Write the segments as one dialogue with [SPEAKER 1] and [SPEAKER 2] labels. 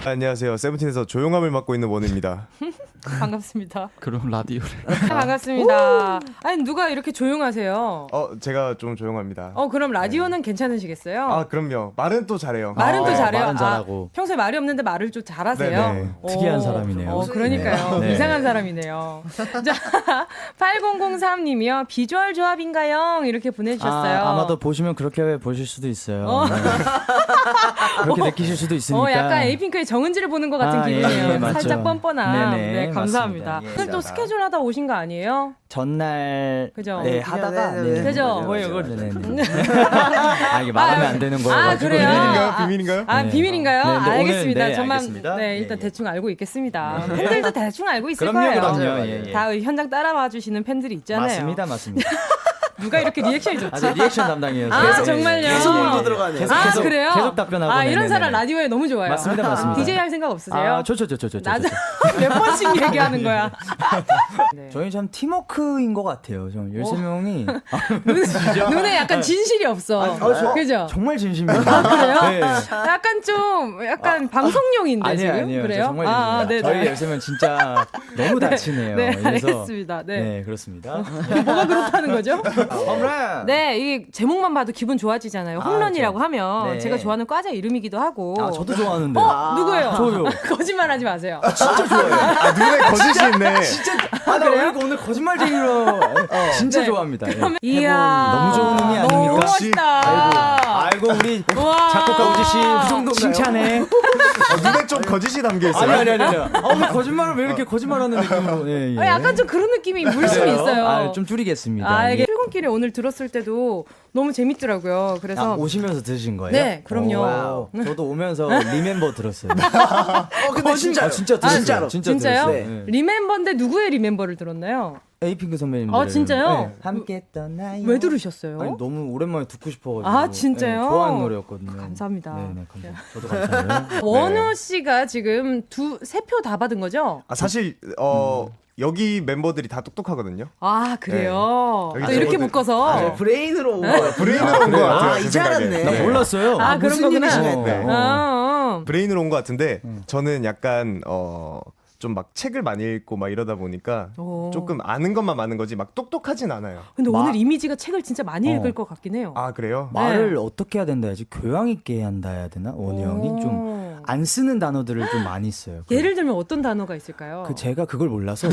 [SPEAKER 1] 안녕하세요. 세븐틴에서 조용함을 맡고 있는 원우입니다.
[SPEAKER 2] 반갑습니다.
[SPEAKER 3] 그럼 라디오를.
[SPEAKER 2] 반갑습니다. 아니 누가 이렇게 조용하세요?
[SPEAKER 1] 제가 좀 조용합니다.
[SPEAKER 2] 그럼 라디오는 괜찮으시겠어요?
[SPEAKER 1] 아, 그럼요. 말은 또 잘해요.
[SPEAKER 2] 말은 또 잘해요.
[SPEAKER 3] 말은 잘하고.
[SPEAKER 2] 평소에 말이 없는데 말을 좀 잘하세요.
[SPEAKER 1] 네네.
[SPEAKER 3] 특이한 사람이네요.
[SPEAKER 2] 그러니까요.
[SPEAKER 3] 네.
[SPEAKER 2] 이상한 사람이네요. 자, 8003님이요. 비주얼 조합인가요? 이렇게 보내주셨어요.
[SPEAKER 3] 아마도 보시면 그렇게 보실 수도 있어요. 네. 그렇게 느끼실 수도 있으니까.
[SPEAKER 2] 약간 에이핑크의 정은지를 보는 것 같은 기분이에요.
[SPEAKER 3] 맞죠.
[SPEAKER 2] 살짝 뻔뻔한.
[SPEAKER 3] 네네,
[SPEAKER 2] 네, 감사합니다.
[SPEAKER 3] 맞습니다.
[SPEAKER 2] 오늘 또 스케줄 하다 오신 거 아니에요?
[SPEAKER 3] 전날
[SPEAKER 2] 그죠?
[SPEAKER 3] 네, 하다가
[SPEAKER 4] 네네.
[SPEAKER 2] 그죠?
[SPEAKER 3] 뭐예요, 네네. 이게 말하면 안 되는 거예요.
[SPEAKER 2] 아, 그래요?
[SPEAKER 1] 비밀인가요?
[SPEAKER 2] 아,
[SPEAKER 3] 네.
[SPEAKER 2] 비밀인가요?
[SPEAKER 3] 네, 근데
[SPEAKER 2] 알겠습니다.
[SPEAKER 3] 오늘, 네,
[SPEAKER 2] 저만
[SPEAKER 3] 알겠습니다.
[SPEAKER 2] 일단
[SPEAKER 3] 예, 예.
[SPEAKER 2] 대충 알고 있겠습니다. 팬들도 대충 알고 있을
[SPEAKER 3] 그럼요,
[SPEAKER 2] 거예요.
[SPEAKER 3] 그럼요. 예, 예.
[SPEAKER 2] 다 현장 따라와 주시는 팬들이 있잖아요.
[SPEAKER 3] 맞습니다.
[SPEAKER 2] 누가 이렇게 리액션이 좋지?
[SPEAKER 3] 아주 리액션 담당이어서.
[SPEAKER 2] 아, 정말요?
[SPEAKER 4] 계속 물고 들어가네요.
[SPEAKER 3] 계속,
[SPEAKER 2] 그래요?
[SPEAKER 3] 계속 답변하고.
[SPEAKER 2] 아, 이런
[SPEAKER 3] 네네네.
[SPEAKER 2] 사람 라디오에 너무 좋아요.
[SPEAKER 3] 맞습니다.
[SPEAKER 2] DJ 할 생각 없으세요?
[SPEAKER 3] 좋죠.
[SPEAKER 2] 몇 번씩 얘기하는 거야. 네.
[SPEAKER 3] 저희 참 팀워크인 것 같아요. 좀 13명이
[SPEAKER 2] 눈에 약간 진실이 없어. 그죠?
[SPEAKER 3] 정말 진심이에요.
[SPEAKER 2] 그래요?
[SPEAKER 3] 네.
[SPEAKER 2] 약간 방송용인데 지금?
[SPEAKER 3] 아니에요.
[SPEAKER 2] 그래요?
[SPEAKER 3] 정말 진심입니다.
[SPEAKER 2] 네네.
[SPEAKER 3] 저희 13명 진짜 너무 다치네요.
[SPEAKER 2] 네,
[SPEAKER 3] 그래서
[SPEAKER 2] 알겠습니다. 네.
[SPEAKER 3] 네, 그렇습니다.
[SPEAKER 2] 뭐가 그렇다는 거죠?
[SPEAKER 4] 홈런.
[SPEAKER 2] 네, 이게 제목만 봐도 기분 좋아지잖아요. 홈런이라고 하면
[SPEAKER 3] 네.
[SPEAKER 2] 제가 좋아하는 과자 이름이기도 하고.
[SPEAKER 3] 저도 좋아하는데.
[SPEAKER 2] 누구예요?
[SPEAKER 3] 저요.
[SPEAKER 2] 거짓말하지 마세요.
[SPEAKER 3] 진짜 좋아해요.
[SPEAKER 1] 눈에 거짓이 있네.
[SPEAKER 3] 나 오늘 거짓말쟁이로 진짜
[SPEAKER 2] 네.
[SPEAKER 3] 좋아합니다.
[SPEAKER 2] 이야,
[SPEAKER 3] 너무 좋은 의미 아닙니까?
[SPEAKER 2] 너무 멋있다.
[SPEAKER 3] 아이고 우리
[SPEAKER 2] 우와.
[SPEAKER 3] 작곡가 우지 씨 칭찬해.
[SPEAKER 1] 눈에 좀 거짓이 담겨 있어요.
[SPEAKER 3] 아니. 오늘 거짓말을 왜 이렇게 거짓말하는 느낌으로? 예.
[SPEAKER 2] 약간 좀 그런 느낌이 물씬 있어요.
[SPEAKER 3] 좀 줄이겠습니다.
[SPEAKER 2] 이게 출근길에 오늘 들었을 때도 너무 재밌더라고요. 그래서
[SPEAKER 3] 오시면서 들으신 거예요?
[SPEAKER 2] 네, 그럼요.
[SPEAKER 3] 와우. 저도 오면서 리멤버 들었어요.
[SPEAKER 4] 근데 진짜
[SPEAKER 3] 진짜
[SPEAKER 4] 진짜로.
[SPEAKER 2] 진짜요?
[SPEAKER 3] 들었어요. 네.
[SPEAKER 2] 리멤버인데 누구의 리멤버를 들었나요?
[SPEAKER 3] 에이핑크 선배님.
[SPEAKER 2] 진짜요?
[SPEAKER 3] 함께 떠나요.
[SPEAKER 2] 왜 들으셨어요?
[SPEAKER 3] 아니, 너무 오랜만에 듣고 싶어가지고.
[SPEAKER 2] 진짜요?
[SPEAKER 3] 네, 좋아하는 노래였거든요.
[SPEAKER 2] 감사합니다.
[SPEAKER 3] 네네, 감사합니다. 저도 감사해요.
[SPEAKER 2] 원우 씨가 지금 세 표 다 받은 거죠?
[SPEAKER 1] 사실 여기 멤버들이 다 똑똑하거든요.
[SPEAKER 2] 아, 그래요?
[SPEAKER 1] 여기
[SPEAKER 2] 또 이렇게
[SPEAKER 1] 저거들-
[SPEAKER 2] 묶어서.
[SPEAKER 4] 브레인으로 온 거예요.
[SPEAKER 1] 브레인으로 온 것 같아요. 제
[SPEAKER 4] 이제
[SPEAKER 1] 생각에.
[SPEAKER 4] 알았네.
[SPEAKER 3] 나 몰랐어요.
[SPEAKER 2] 그런
[SPEAKER 4] 무슨
[SPEAKER 2] 거구나.
[SPEAKER 4] 일이시네.
[SPEAKER 1] 네. 브레인으로 온 것 같은데 저는 약간 좀 막 책을 많이 읽고 막 이러다 보니까
[SPEAKER 2] 오.
[SPEAKER 1] 조금 아는 것만 많은 거지 막 똑똑하진 않아요.
[SPEAKER 2] 근데 오늘 이미지가 책을 진짜 많이 읽을 것 같긴 해요.
[SPEAKER 1] 아, 그래요?
[SPEAKER 3] 말을 어떻게 해야 된다 해야지 교양 있게 한다 해야 되나? 원우 형이 좀 안 쓰는 단어들을 좀 많이 써요.
[SPEAKER 2] 예를 들면 어떤 단어가 있을까요?
[SPEAKER 3] 제가 그걸 몰라서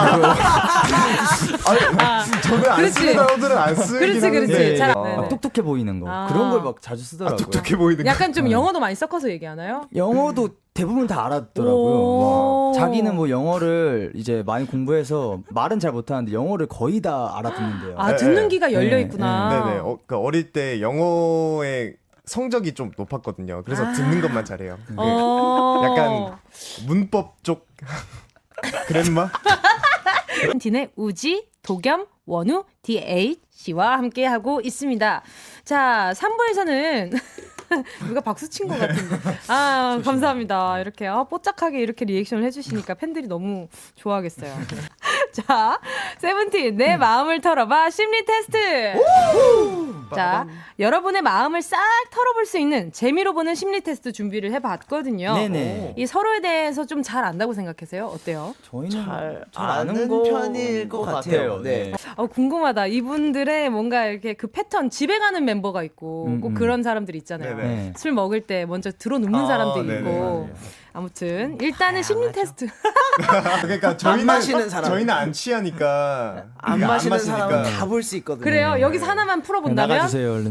[SPEAKER 1] 저는 안
[SPEAKER 2] 그렇지.
[SPEAKER 1] 쓰는 단어들은 안 쓰긴
[SPEAKER 2] 그렇지,
[SPEAKER 1] 하는데
[SPEAKER 2] 그렇지. 잘
[SPEAKER 1] 어,
[SPEAKER 2] 네네.
[SPEAKER 3] 막 똑똑해 보이는 거
[SPEAKER 2] 아.
[SPEAKER 3] 그런 걸 막 자주 쓰더라고요.
[SPEAKER 1] 똑똑해 보이는 거.
[SPEAKER 2] 약간 좀 영어도 많이 섞어서 얘기하나요?
[SPEAKER 3] 영어도 대부분 다 알아듣더라고요.
[SPEAKER 2] 오.
[SPEAKER 3] 자기는 뭐 영어를 이제 많이 공부해서 말은 잘 못하는데 영어를 거의 다 알아듣는데요.
[SPEAKER 2] 아,
[SPEAKER 1] 네,
[SPEAKER 2] 듣는
[SPEAKER 1] 네.
[SPEAKER 2] 귀가 열려
[SPEAKER 3] 네,
[SPEAKER 2] 있구나.
[SPEAKER 1] 네네. 그러니까 어릴 때 영어의 성적이 좀 높았거든요. 그래서 듣는 것만 잘해요. 약간 문법 쪽 그랬마?
[SPEAKER 2] 틴의 우지, 도겸, 원우, DH씨와 함께하고 있습니다. 자, 3부에서는 누가 박수 친 것 같은데. 감사합니다. 이렇게 뽀짝하게 이렇게 리액션을 해주시니까 팬들이 너무 좋아하겠어요. 자, 세븐틴 내 마음을 털어봐 심리 테스트. 자, 여러분의 마음을 싹 털어볼 수 있는 재미로 보는 심리 테스트 준비를 해봤거든요.
[SPEAKER 3] 네네.
[SPEAKER 2] 이 서로에 대해서 좀 잘 안다고 생각하세요? 어때요?
[SPEAKER 3] 저희는
[SPEAKER 4] 잘
[SPEAKER 3] 아는
[SPEAKER 4] 아는
[SPEAKER 3] 거
[SPEAKER 4] 편일 것 같아요. 네.
[SPEAKER 2] 궁금하다. 이분들의 뭔가 이렇게 그 패턴, 집에 가는 멤버가 있고, 꼭 그런 사람들이 있잖아요.
[SPEAKER 3] 네.
[SPEAKER 2] 술 먹을 때 먼저 들어눕는 사람들이
[SPEAKER 1] 네네,
[SPEAKER 2] 있고.
[SPEAKER 1] 맞아요.
[SPEAKER 2] 아무튼, 일단은 심리 테스트.
[SPEAKER 1] 그러니까
[SPEAKER 4] 안 마시는 사람.
[SPEAKER 1] 저희는 안 취하니까
[SPEAKER 4] 안
[SPEAKER 1] 그러니까
[SPEAKER 4] 마시는
[SPEAKER 1] 마시니까.
[SPEAKER 4] 사람은 다 볼 수 있거든요.
[SPEAKER 2] 그래요. 여기서 하나만 풀어본다면?
[SPEAKER 3] 나가주세요 얼른.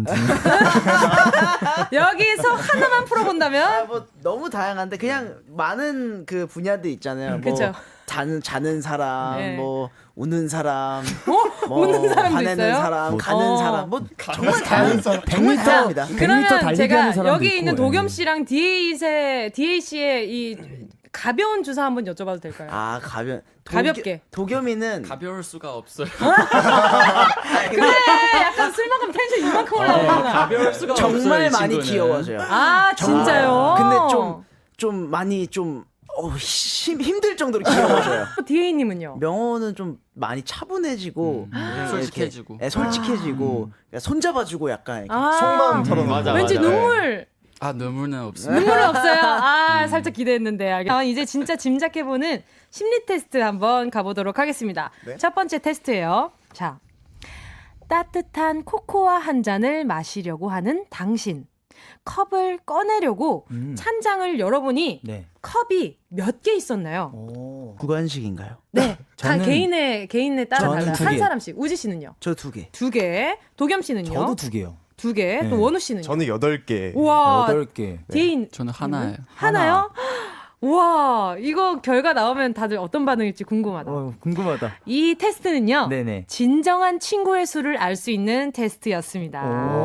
[SPEAKER 2] 여기서 하나만 풀어본다면?
[SPEAKER 4] 뭐 너무 다양한데 그냥 많은 그 분야들 있잖아요. 뭐
[SPEAKER 2] 그쵸.
[SPEAKER 4] 자는 사람,
[SPEAKER 2] 네.
[SPEAKER 4] 뭐 우는 사람,
[SPEAKER 2] 우는 사람도
[SPEAKER 4] 화내는
[SPEAKER 2] 있어요?
[SPEAKER 4] 사람, 가는 사람, 뭐 정말
[SPEAKER 1] 가는 사람.
[SPEAKER 4] 정말 다양합니다.
[SPEAKER 3] 100m
[SPEAKER 2] 그러면
[SPEAKER 3] 달리기
[SPEAKER 2] 제가
[SPEAKER 3] 하는 사람도
[SPEAKER 2] 여기
[SPEAKER 3] 있고,
[SPEAKER 2] 있는
[SPEAKER 3] 예.
[SPEAKER 2] 도겸 씨랑 DA씨의 이 가벼운 주사 한번 여쭤봐도 될까요? 가볍게.
[SPEAKER 4] 도겸이는
[SPEAKER 3] 가벼울 수가 없어요.
[SPEAKER 2] 그래, 약간 술 먹으면 텐션 이만큼 올라오잖아.
[SPEAKER 3] 가벼울 수가
[SPEAKER 4] 정말 많이 귀여워져요.
[SPEAKER 2] 아, 진짜요?
[SPEAKER 4] 근데 좀 많이 좀 힘들 정도로 귀여워져요.
[SPEAKER 2] DA님은요?
[SPEAKER 4] 명호는 좀 많이 차분해지고
[SPEAKER 3] 솔직해지고.
[SPEAKER 4] 솔직해지고 그러니까 손잡아주고 약간 이렇게
[SPEAKER 1] 속마음 털어놓는
[SPEAKER 3] 맞아,
[SPEAKER 1] 거.
[SPEAKER 2] 왠지
[SPEAKER 3] 맞아.
[SPEAKER 2] 눈물
[SPEAKER 5] 아, 눈물은 없어요.
[SPEAKER 2] 눈물은 없어요. 아, 살짝 기대했는데. 이제 진짜 짐작해보는 심리 테스트 한번 가보도록 하겠습니다.
[SPEAKER 1] 네.
[SPEAKER 2] 첫 번째 테스트예요. 자, 따뜻한 코코아 한 잔을 마시려고 하는 당신. 컵을 꺼내려고 찬장을 열어보니
[SPEAKER 3] 네.
[SPEAKER 2] 컵이 몇 개 있었나요?
[SPEAKER 3] 오.
[SPEAKER 4] 구간식인가요?
[SPEAKER 2] 네,
[SPEAKER 3] 저는-
[SPEAKER 2] 개인에 따라
[SPEAKER 3] 저는
[SPEAKER 2] 달라요.
[SPEAKER 3] 두
[SPEAKER 2] 한
[SPEAKER 3] 개.
[SPEAKER 2] 사람씩. 우지 씨는요?
[SPEAKER 4] 저 2개.
[SPEAKER 2] 2개. 도겸 씨는요?
[SPEAKER 3] 저도 2개요.
[SPEAKER 2] 2개.
[SPEAKER 3] 네.
[SPEAKER 2] 또 원우 씨는요?
[SPEAKER 1] 저는 8개.
[SPEAKER 2] 우와,
[SPEAKER 3] 8개.
[SPEAKER 2] 디인
[SPEAKER 5] 저는 하나예요.
[SPEAKER 2] 하나요? 우와, 이거 결과 나오면 다들 어떤 반응일지 궁금하다.
[SPEAKER 3] 궁금하다.
[SPEAKER 2] 이 테스트는요,
[SPEAKER 3] 네네.
[SPEAKER 2] 진정한 친구의 수를 알 수 있는 테스트였습니다.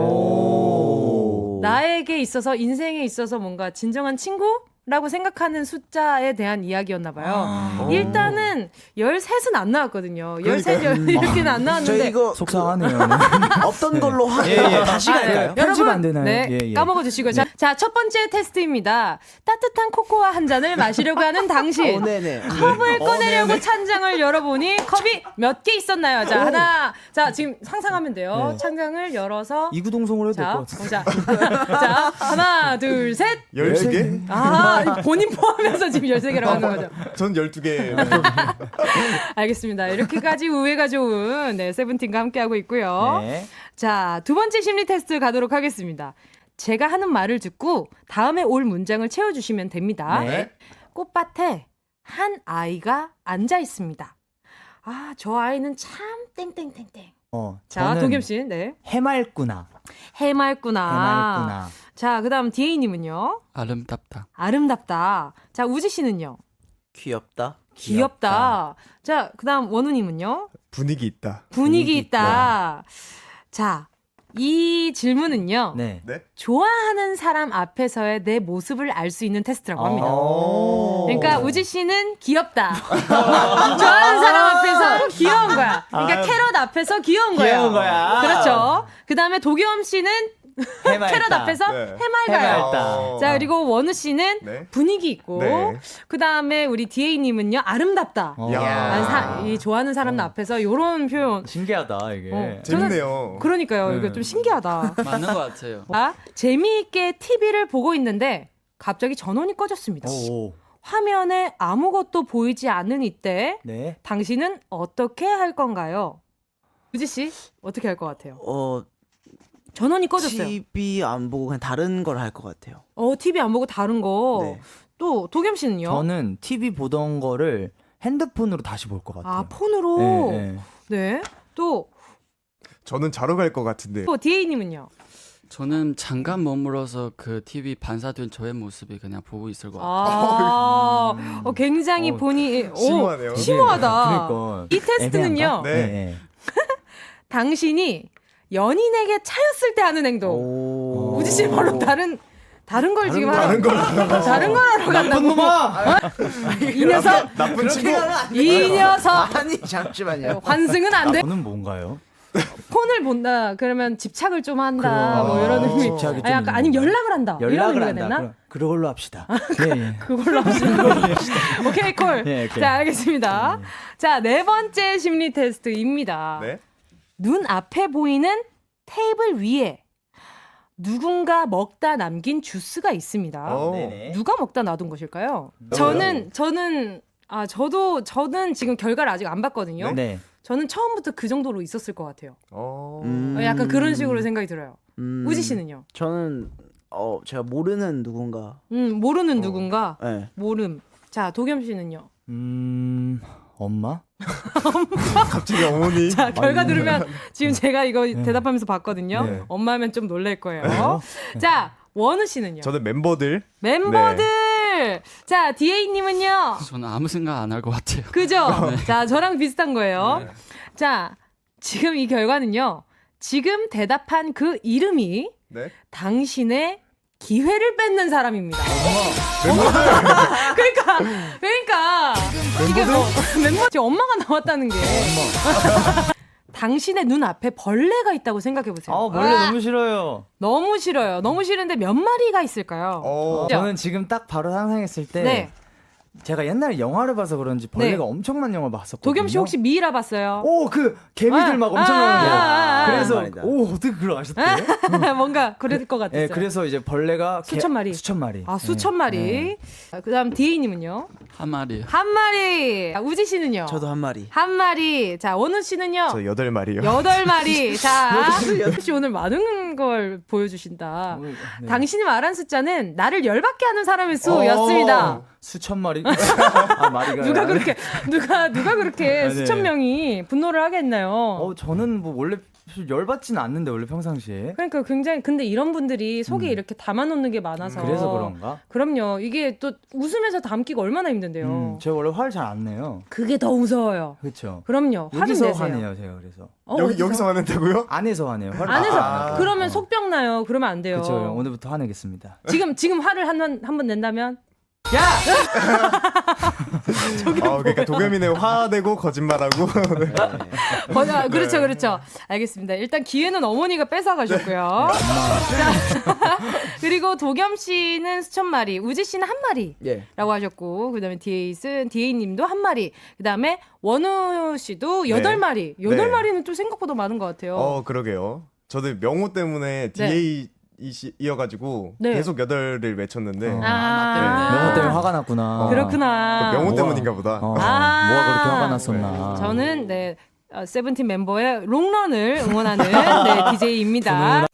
[SPEAKER 3] 오.
[SPEAKER 2] 나에게 있어서, 인생에 있어서 뭔가 진정한 친구라고 생각하는 숫자에 대한 이야기였나 봐요. 일단은 13은 안 나왔거든요. 13, 이렇게는 안
[SPEAKER 4] 저
[SPEAKER 2] 나왔는데.
[SPEAKER 4] 이거
[SPEAKER 3] 속상하네요.
[SPEAKER 4] 없던 걸로 다시
[SPEAKER 2] 아,
[SPEAKER 4] 갈까요?
[SPEAKER 3] 편집 안 되나요?
[SPEAKER 2] 네,
[SPEAKER 3] 예, 예.
[SPEAKER 2] 까먹어 주시고요. 자, 첫 번째 테스트입니다. 따뜻한 코코아 한 잔을 마시려고 하는 당신.
[SPEAKER 4] 네네.
[SPEAKER 2] 컵을 꺼내려고 찬장을 열어보니 컵이 몇 개 있었나요? 자, 하나. 자, 지금 상상하면 돼요.
[SPEAKER 3] 네.
[SPEAKER 2] 찬장을 열어서.
[SPEAKER 3] 이구동성으로 해도 될
[SPEAKER 2] 자,
[SPEAKER 3] 것 같아요.
[SPEAKER 2] 자, 하나, 둘, 셋.
[SPEAKER 1] 13개?
[SPEAKER 2] 아, 본인 포함해서 지금 13개라고 하는 거죠.
[SPEAKER 1] 전 12개.
[SPEAKER 2] 알겠습니다. 이렇게까지 우애가 좋은 네, 세븐틴과 함께하고 있고요.
[SPEAKER 3] 네.
[SPEAKER 2] 자, 두 번째 심리 테스트 가도록 하겠습니다. 제가 하는 말을 듣고 다음에 올 문장을 채워주시면 됩니다.
[SPEAKER 3] 네.
[SPEAKER 2] 꽃밭에 한 아이가 앉아 있습니다. 아, 저 아이는 참 땡땡땡땡. 자,
[SPEAKER 3] 저는
[SPEAKER 2] 도겸 씨, 네.
[SPEAKER 3] 해맑구나.
[SPEAKER 2] 해맑구나. 자, 그다음 디에이님은요.
[SPEAKER 5] 아름답다.
[SPEAKER 2] 아름답다. 자, 우지 씨는요.
[SPEAKER 4] 귀엽다.
[SPEAKER 2] 귀엽다. 자, 그다음 원우님은요.
[SPEAKER 1] 분위기 있다.
[SPEAKER 2] 분위기 있다. 자, 이 질문은요.
[SPEAKER 3] 네.
[SPEAKER 1] 네?
[SPEAKER 2] 좋아하는 사람 앞에서의 내 모습을 알 수 있는 테스트라고 합니다.
[SPEAKER 1] 오.
[SPEAKER 2] 그러니까 우지 씨는 귀엽다. 좋아하는 사람 앞에서 귀여운 거야. 그러니까 캐럿 앞에서 귀여운 거야.
[SPEAKER 3] 귀여운 거야.
[SPEAKER 2] 그렇죠. 그다음에 도겸 씨는
[SPEAKER 3] 해맑다.
[SPEAKER 2] 캐럿 앞에서
[SPEAKER 1] 네.
[SPEAKER 2] 해맑아요.
[SPEAKER 3] 해맑다.
[SPEAKER 2] 자, 그리고 원우 씨는
[SPEAKER 1] 네.
[SPEAKER 2] 분위기 있고,
[SPEAKER 1] 네.
[SPEAKER 2] 그다음에 우리 디에이님은요 아름답다.
[SPEAKER 1] 야.
[SPEAKER 2] 이 좋아하는 사람 앞에서 이런 표현.
[SPEAKER 3] 신기하다 이게.
[SPEAKER 1] 재밌네요.
[SPEAKER 2] 그러니까요. 이거
[SPEAKER 3] 네.
[SPEAKER 2] 좀 신기하다.
[SPEAKER 5] 맞는 것 같아요.
[SPEAKER 2] 아, 재미있게 TV를 보고 있는데 갑자기 전원이 꺼졌습니다.
[SPEAKER 3] 오.
[SPEAKER 2] 화면에 아무것도 보이지 않는 이때
[SPEAKER 3] 네.
[SPEAKER 2] 당신은 어떻게 할 건가요? 유지 씨 어떻게 할 것 같아요? 전원이 꺼졌어요.
[SPEAKER 4] TV 안 보고 그냥 다른 걸 할 것 같아요.
[SPEAKER 2] TV 안 보고 다른 거.
[SPEAKER 4] 네.
[SPEAKER 2] 또 도겸 씨는요?
[SPEAKER 3] 저는 TV 보던 거를 핸드폰으로 다시 볼 것 같아요.
[SPEAKER 2] 아, 폰으로.
[SPEAKER 3] 네, 네.
[SPEAKER 2] 네. 또
[SPEAKER 1] 저는 자러 갈 것 같은데.
[SPEAKER 2] 디에이님은요?
[SPEAKER 5] 저는 잠깐 머물러서 그 TV 반사된 저의 모습이 그냥 보고 있을 것 같아요.
[SPEAKER 2] 아, 굉장히
[SPEAKER 3] 어,
[SPEAKER 2] 본인
[SPEAKER 1] 심오하네요.
[SPEAKER 2] 심오하다.
[SPEAKER 3] 그러니까
[SPEAKER 2] 이 테스트는요.
[SPEAKER 3] 애매한가?
[SPEAKER 1] 네.
[SPEAKER 3] 네.
[SPEAKER 2] 당신이 연인에게 차였을 때 하는 행동.
[SPEAKER 4] 오.
[SPEAKER 2] 우지 씨 바로 다른 걸 지금
[SPEAKER 1] 다른 걸
[SPEAKER 2] 다른 걸 하러 간다고. 이 녀석,
[SPEAKER 1] 나쁜 친구.
[SPEAKER 2] 이 녀석.
[SPEAKER 4] 아니 잠시만요.
[SPEAKER 2] 환승은 안 돼.
[SPEAKER 3] 저는 뭔가요?
[SPEAKER 2] 폰을 본다. 그러면 집착을 좀 한다. 뭐 이런 의미.
[SPEAKER 3] 집착이 좀
[SPEAKER 2] 약간 아니면 연락을 한다. 이런
[SPEAKER 3] 연락을
[SPEAKER 2] 의미가
[SPEAKER 3] 한다.
[SPEAKER 2] 됐나?
[SPEAKER 3] 그걸로 합시다. 예, 예.
[SPEAKER 2] 그걸로 하시는 오케이 콜.
[SPEAKER 3] 네, 오케이.
[SPEAKER 2] 자, 알겠습니다. 자, 네 번째 심리 테스트입니다.
[SPEAKER 1] 네.
[SPEAKER 2] 눈 앞에 보이는 테이블 위에 누군가 먹다 남긴 주스가 있습니다.
[SPEAKER 3] 네네.
[SPEAKER 2] 누가 먹다 놔둔 것일까요? 저는 지금 결과를 아직 안 봤거든요.
[SPEAKER 3] 네.
[SPEAKER 2] 저는 처음부터 그 정도로 있었을 것 같아요.
[SPEAKER 1] 어.
[SPEAKER 2] 약간 그런 식으로 생각이 들어요. 우지 씨는요?
[SPEAKER 4] 저는 제가 모르는 누군가.
[SPEAKER 2] 모르는 누군가.
[SPEAKER 4] 네.
[SPEAKER 2] 모름. 자, 도겸 씨는요?
[SPEAKER 3] 엄마?
[SPEAKER 1] 갑자기 어머니.
[SPEAKER 2] 자, 결과 들으면 지금 제가 이거 대답하면서 봤거든요.
[SPEAKER 3] 네.
[SPEAKER 2] 엄마면 좀 놀랄 거예요. 자, 원우 씨는요?
[SPEAKER 1] 저는 멤버들.
[SPEAKER 2] 멤버들. 자, 디에이님은요?
[SPEAKER 5] 저는 아무 생각 안 할 것 같아요.
[SPEAKER 2] 그죠? 자, 저랑 비슷한 거예요. 자, 지금 이 결과는요. 지금 대답한 그 이름이
[SPEAKER 1] 네.
[SPEAKER 2] 당신의 기회를 뺏는 사람입니다. 그러니까 이게 멤버 지금 엄마가 나왔다는 게 당신의 눈 앞에 벌레가 있다고 생각해 보세요.
[SPEAKER 3] 벌레 너무 싫어요.
[SPEAKER 2] 너무 싫어요. 너무 싫은데 몇 마리가 있을까요?
[SPEAKER 1] 어.
[SPEAKER 2] 그죠?
[SPEAKER 3] 저는 지금 딱 바로 상상했을 때
[SPEAKER 2] 네.
[SPEAKER 3] 제가 옛날에 영화를 봐서 그런지 벌레가
[SPEAKER 2] 네.
[SPEAKER 3] 엄청 많은 영화 봤었거든요.
[SPEAKER 2] 도겸 씨 혹시 미이라 봤어요?
[SPEAKER 3] 오, 그 개미들 막 엄청 많은데. 그래서
[SPEAKER 4] 말이다.
[SPEAKER 3] 오, 어떻게 그걸 아셨대요?
[SPEAKER 2] 뭔가 그럴 것 같았어요.
[SPEAKER 3] 네, 그래서 이제 벌레가
[SPEAKER 2] 수천 마리.
[SPEAKER 3] 수천 마리.
[SPEAKER 2] 아, 수천 마리.
[SPEAKER 3] 네.
[SPEAKER 2] 그다음 디에이님은요?
[SPEAKER 5] 한 마리.
[SPEAKER 2] 한 마리. 우지 씨는요?
[SPEAKER 4] 저도 한 마리.
[SPEAKER 2] 한 마리. 자, 원우 씨는요?
[SPEAKER 1] 저 8마리요.
[SPEAKER 2] 8마리. 자, 역시 오늘 많은 걸 보여주신다.
[SPEAKER 3] 네.
[SPEAKER 2] 당신이 말한 숫자는 나를 열받게 하는 사람의 수였습니다.
[SPEAKER 3] 수천 마리? 아, 마리가.
[SPEAKER 2] 누가 그렇게
[SPEAKER 3] 네.
[SPEAKER 2] 수천 명이 분노를 하겠나요?
[SPEAKER 3] 저는 뭐 원래 열받지는 않는데 원래 평상시에.
[SPEAKER 2] 그러니까 굉장히 근데 이런 분들이 속에 이렇게 담아놓는 게 많아서
[SPEAKER 3] 그래서 그런가?
[SPEAKER 2] 그럼요. 이게 또 웃으면서 담기가 얼마나 힘든데요.
[SPEAKER 3] 제가 원래 화를 잘 안 내요.
[SPEAKER 2] 그게 더 무서워요.
[SPEAKER 3] 그렇죠.
[SPEAKER 2] 그럼요. 화를
[SPEAKER 3] 여기서
[SPEAKER 2] 내세요.
[SPEAKER 3] 화내요, 제가 그래서.
[SPEAKER 1] 여기서 화낸다고요?
[SPEAKER 3] 안에서 화내요. 화를
[SPEAKER 2] 안에서
[SPEAKER 3] 안
[SPEAKER 2] 그러면 속병 나요. 그러면 안 돼요.
[SPEAKER 3] 그렇죠. 오늘부터 화내겠습니다.
[SPEAKER 2] 지금 화를 한 번 낸다면
[SPEAKER 1] 그러니까 도겸이네 화내고 거짓말하고.
[SPEAKER 2] 그렇죠. 알겠습니다. 일단 기회는 어머니가 뺏어가셨고요. 자, 그리고 도겸 씨는 수천 마리, 우지 씨는 한 마리라고
[SPEAKER 4] 예.
[SPEAKER 2] 하셨고, 그다음에 디에이님도 한 마리, 그다음에 원우 씨도 8마리. 8마리는 좀 생각보다 많은 것 같아요.
[SPEAKER 1] 그러게요. 저도 명호 때문에 DA 이어가지고
[SPEAKER 2] 네.
[SPEAKER 1] 계속 8을 외쳤는데
[SPEAKER 3] 명호 때문에 화가 났구나.
[SPEAKER 2] 그렇구나.
[SPEAKER 1] 명호
[SPEAKER 3] 뭐가-
[SPEAKER 1] 때문인가 보다.
[SPEAKER 3] 뭐가 그렇게 화가 났었나.
[SPEAKER 2] 저는 세븐틴 멤버의 롱런을 응원하는 DJ입니다.